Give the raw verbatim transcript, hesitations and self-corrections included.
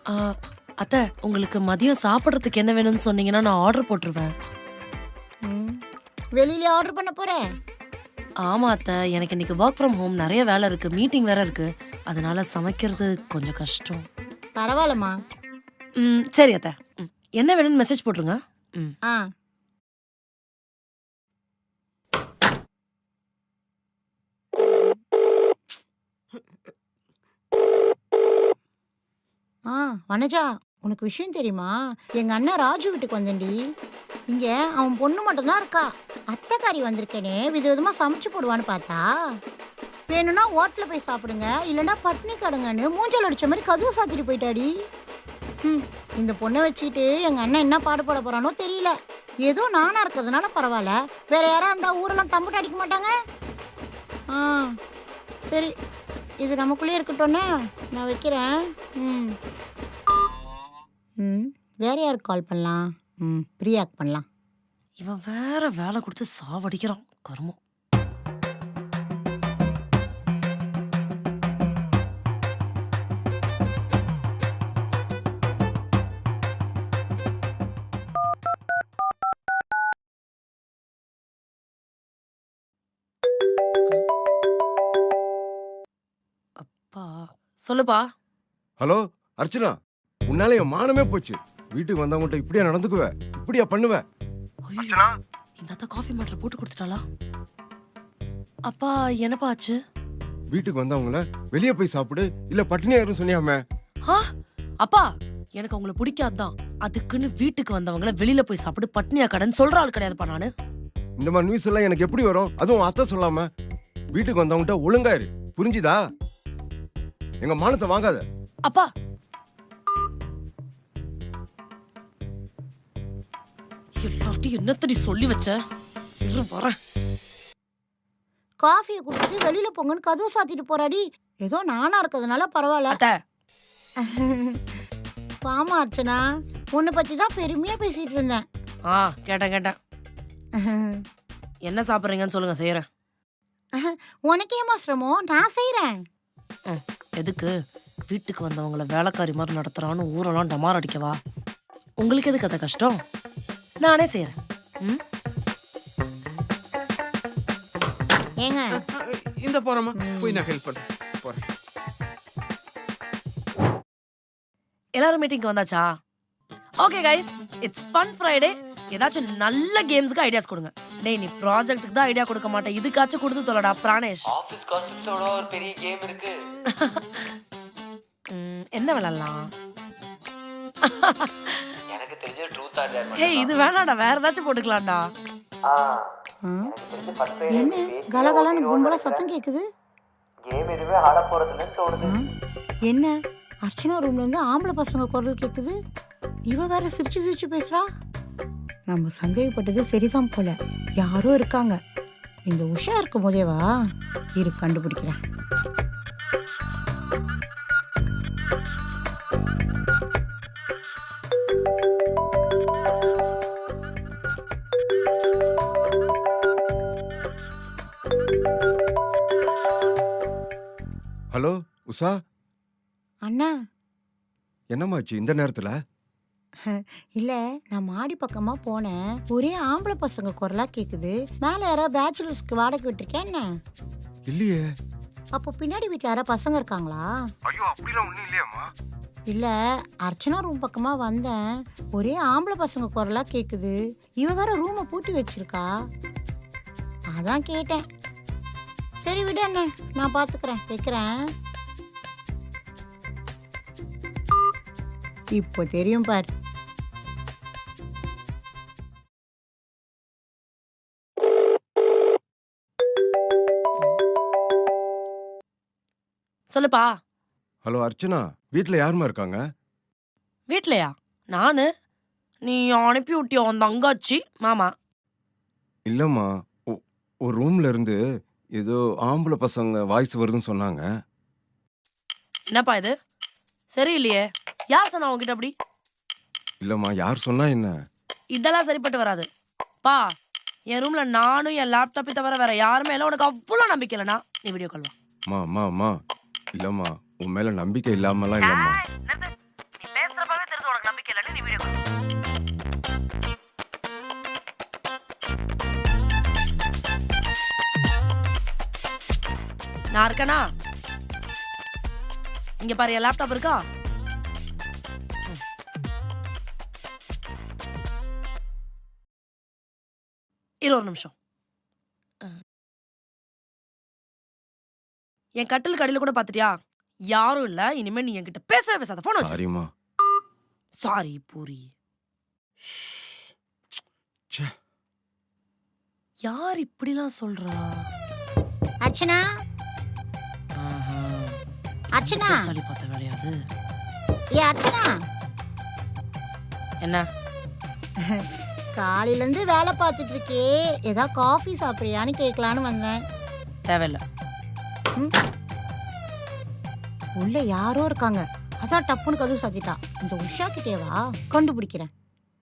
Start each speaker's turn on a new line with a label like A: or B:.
A: ஆ, அத்தை உங்களுக்கு மதியம் சாப்பிட்றதுக்கு என்ன வேணும்னு சொன்னீங்கன்னா நான் ஆர்டர் போட்டுருவேன்.
B: ம். வெளியில ஆர்டர் பண்ண போறேன்.
A: ஆமா அத்தை, எனக்கு இன்னைக்கு ஒர்க் ஃப்ரம் ஹோம் நிறைய வேலை இருக்கு, மீட்டிங் வேற இருக்கு. அதனால சமைக்கிறது கொஞ்சம் கஷ்டம்.
B: பரவாயில்லம்மா.
A: ம் சரி அத்தை. ம், என்ன வேணும்னு மெசேஜ் போட்டுருங்க. ம்
B: ஆ ஆ வனஜா, உனக்கு விஷயம் தெரியுமா? எங்க அண்ணன் ராஜு வீட்டுக்கு வந்தேன்டி. இங்க அவன் பொண்ணு மட்டும்தான் இருக்கா. அத்தைக்காரி வந்திருக்கேனே விதவிதமா சமைச்சு போடுவான்னு பார்த்தா, வேணும்னா ஹோட்டல்ல போய் சாப்பிடுங்க, இல்லைன்னா பட்னி கடுங்கன்னு மூஞ்சல் அடிச்ச மாதிரி கதவு சாத்திட்டு போயிட்டாடி. ம் இந்த பொண்ணை வச்சுக்கிட்டு எங்க அண்ணன் என்ன பாடுபட போறானோ தெரியல. ஏதோ நானா இருக்கிறதுனால பரவாயில்ல, வேற யாரா இருந்தா ஊரெல்லாம் தம்பிட்டு அடிக்க மாட்டாங்க. ஆ சரி, இது நமக்குள்ளே இருக்கட்டும்னே, நான் வைக்கிறேன். ம் ம் வேற யாருக்கு கால் பண்ணலாம்? ம் பிரியாக்கு பண்ணலாம்.
A: இவன் வேற வேலை கொடுத்து சாவடிக்கிறான் கருமம். அப்பா சொல்லுப்பா.
C: ஹலோ அர்ச்சனா, உன்னால என் மானமே போச்சு. வீட்டுக்கு வந்தவங்ககிட்ட இப்படியா நடந்துக்குவ? இப்படியா பண்ணுவ?
A: ஐயோ, இந்த அத்தை காஃபி மேட்டர் போட்டு கொடுத்துட்டாளா? அப்பா என்னப்பா ஆச்சு?
C: வீட்டுக்கு வந்தவங்கள வெளியே போய் சாப்பிடு, இல்ல பட்டினியா இரு சொன்னியாமே.
A: ஆ, அப்பா எனக்கு அவங்கள பிடிக்காதுதான். அதுக்குன்னு வீட்டுக்கு வந்தவங்கள வெளியில போய் சாப்பிடு பட்னியா கடன் சொல்ற ஆள் கிடையாதுப்பா நானு.
C: இந்த மாதிரி நியூஸ் எல்லாம் எனக்கு எப்படி வரும்? அதுவும் அத்தை சொல்லாம. வீட்டுக்கு வந்தவங்ககிட்ட ஒழுங்கா இரு, புரிஞ்சுதா? எங்க மானத்தை வாங்காத.
A: அப்பா எல்லார்ட்டையும் என்னத்தடி சொல்லி வச்ச? இரு வரேன்.
B: காஃபியை குடிச்சிட்டு வெளியில போங்கன்னு கதவு சாத்திட்டு போறாடி. ஏதோ நானா இருக்கிறதுனால பரவாயில்ல.
A: அத்தை
B: பாமா அர்ச்சனா, உன்னை பத்தி தான் பெருமையா பேசிட்டு இருந்தேன்.
A: ஆ கேட்டேன் கேட்டேன். என்ன சாப்பிட்றீங்கன்னு சொல்லுங்க, செய்யறேன்.
B: உனக்கேமா சிரமம், நான் செய்யறேன்.
A: ம், எதுக்கு? வீட்டுக்கு வந்தவங்கள வேலைக்காரி மாதிரி நடத்துறான்னு ஊரெல்லாம் டமார் அடிக்கவா? உங்களுக்கு எதுக்கு அதை கஷ்டம்? நானே செய்யறேன். ம்
B: ஏங்க
D: இந்த போறோமா, போய் நான் ஹெல்ப் பண்றேன். போறேன்.
A: எல்லாரும் மீட்டிங்க்கு வந்தாச்சா? Okay guys, it's fun Friday. ஏதாச்சும் நல்ல கேம்ஸ்க்கு ஐடியாஸ் கொடுங்க. டேய் நீ ப்ராஜெக்ட்டுக்கு தான் ஐடியா கொடுக்க மாட்டேன், இதுக்காச்சும் கொடுத்து தொலைடா பிராணேஷ்.
E: ஆபீஸ் காசிப்ஸோட ஒரு பெரிய கேம் இருக்கு.
A: ம், என்ன விளையாடலாம்?
E: எனக்கு தெரிஞ்ச ட்ரூத் ஆர் டேர்.
A: ஏய் இது வேணாடா, வேற ஏதாச்சும் போட்டுக்கலாம்டா.
E: ஆ
B: ஆ,
E: எனக்கு தெரிஞ்ச ஃபர்ஸ்ட்
B: என்ன கலகலன்னு கும்பலா சத்தம் கேக்குது?
E: கேம் எதுவே ஆட போறதுன்னு தோணுது.
B: ஆ, என்ன அர்ச்சனா ரூம்ல இருந்து ஆம்பளை பசங்க குரல் கேக்குது? இவ வேற சிரிச்சு சிரிச்சு பேசுறா. நம்ம சந்தேகப்பட்டது சரிதான் போல, யாரோ இருக்காங்க. இந்த உஷா இருக்கும் போதேவா இரு கண்டுபிடிக்கிறேன்.
C: ஹலோ உஷா,
B: அண்ணா,
C: என்னமாச்சு இந்த நேரத்துல?
B: இல்ல நான் மாடி பக்கமா போனேன், ஒரே ஆம்பளை பசங்க குரலா கேக்குது. மேல யாரா பேச்சுலர்ஸ்க்கு வாடகை விட்டுருக்கேன் என்ன?
C: இல்லையே.
B: அப்போ பின்னாடி வீட்டுல யாரா பசங்க இருக்காங்களா?
C: ஐயோ அப்படிலாம் ஒண்ணும் இல்லையாமா.
B: இல்ல அர்ச்சனா ரூம் பக்கமா வந்தேன், ஒரே ஆம்பளை பசங்க குரலா கேக்குது. இவ வேற ரூமை பூட்டி வச்சிருக்கா, அதான் கேட்டேன். சரி விடு அண்ணே, நான் பாத்துக்கிறேன், வைக்கிறேன். இப்போ தெரியும் பார்.
A: சொல்லுப்பா.
C: ஹலோ அர்ச்சனா, வீட்ல யாருமா இருக்காங்க?
A: வீட்லயா? நானு. நீ அனுப்பி விட்டியோ அந்த அங்காச்சி மாமா.
C: இல்லம்மா, ஒ- ஒரு ரூம்ல இருந்து ஏதோ ஆம்பளை பசங்க வாய்ஸ் வருதுன்னு சொன்னாங்க.
A: என்னப்பா இது சரியில்லையே? யார் சொன்னா உங்ககிட்ட அப்படி?
C: இல்லம்மா, யார் சொன்னா என்ன?
A: இதெல்லாம் சரிப்பட்டு வராது பா. என் ரூம்ல நானும் என் லேப்டாப்பை தவிர வேற யாருமே இல்லை. உனக்கு அவ்வளோ நம்பிக்கை இல்லைனா நீ வீடியோ கால் வா.
C: மா மா மா இல்லம்மா, உன் மேல நம்பிக்கை இல்லாமலாம் இல்லம்மா.
A: நீ நான் இருக்கேனா? இங்க பாரு, என் லேப்டாப் இருக்கா? ம். இரு ஒரு நிமிஷம். அஹ். என் கட்டிலுக்கு அடியில கூட பாத்துட்டியா? யாரும் இல்ல. இனிமே நீ என்கிட்ட பேசவே பேசாத. போன் வச்சு.
C: சாரிம்மா.
A: சாரி பூரி.
C: ச்சே.
A: யார் இப்படிலாம் சொல்றா?
B: அர்ச்சனா
A: ஆஹா.
B: அர்ச்சனா
A: சளி பார்த்த வேலையாது.
B: ஏ அர்ச்சனா,
A: என்ன?
B: காலையில இருந்து வேலை பார்த்துட்டு இருக்கே, ஏதாவது காஃபி சாப்பிட்றியான்னு கேட்கலான்னு வந்தேன்.
A: தேவையில்ல.
B: ம். உள்ள யாரோ இருக்காங்க, அதான் டப்புன்னு கதவு சாத்திட்டா. இந்த உஷா கிட்டேவா கண்டுபிடிக்கிறேன்.